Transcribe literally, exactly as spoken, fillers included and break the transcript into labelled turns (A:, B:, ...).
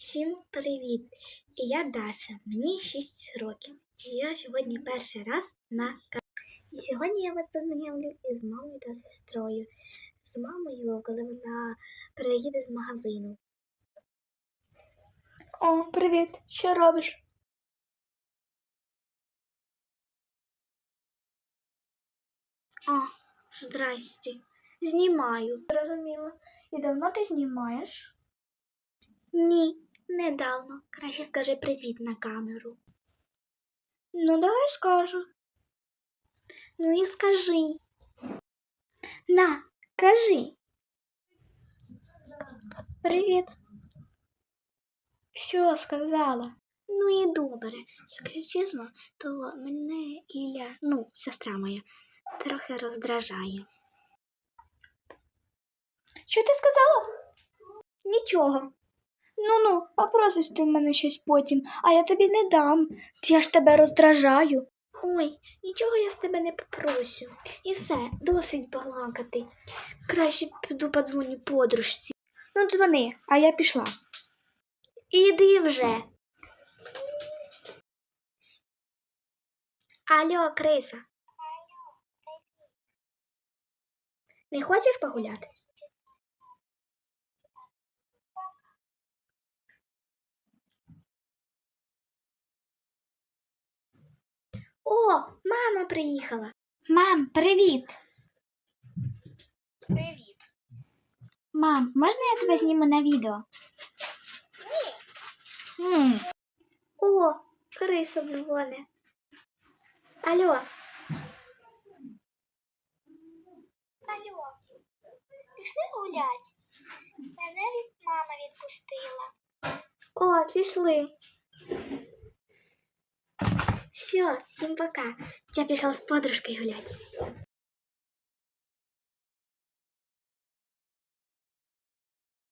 A: Всім привіт! І я Даша, мені шість років. І я сьогодні перший раз на каналі. І сьогодні я вас познайомлю із мамою та сестрою. З мамою, коли вона приїде з магазину. О, привіт! Що робиш? О, здрасте. Знімаю. Зрозуміло. І давно ти знімаєш? Ні, недавно. Краще скажи привіт на камеру. Ну, давай скажу. Ну і скажи. На, кажи. Привіт. Все, сказала. Ну і добре. Якщо чесно, то мене Ілля, ну, сестра моя, трохи роздражає. Що ти сказала? Нічого. Ну-ну, попросиш ти в мене щось потім, а я тобі не дам. Я ж тебе роздражаю. Ой, нічого я в тебе не попрошу. І все, досить балакати. Краще піду подзвоню подружці. Ну, дзвони, а я пішла. Іди вже. Алло, криса. Не хочеш погуляти? О, мама приїхала. Мам, привіт. Привіт. Мам, можна я тебе зніму на відео? Ні. М. О, криса дзвоне. Алло. Алло. Пішли гулять? Мене від мама відпустила. О, пішли. Все, всім пока. Я пішла з подружкою гуляти.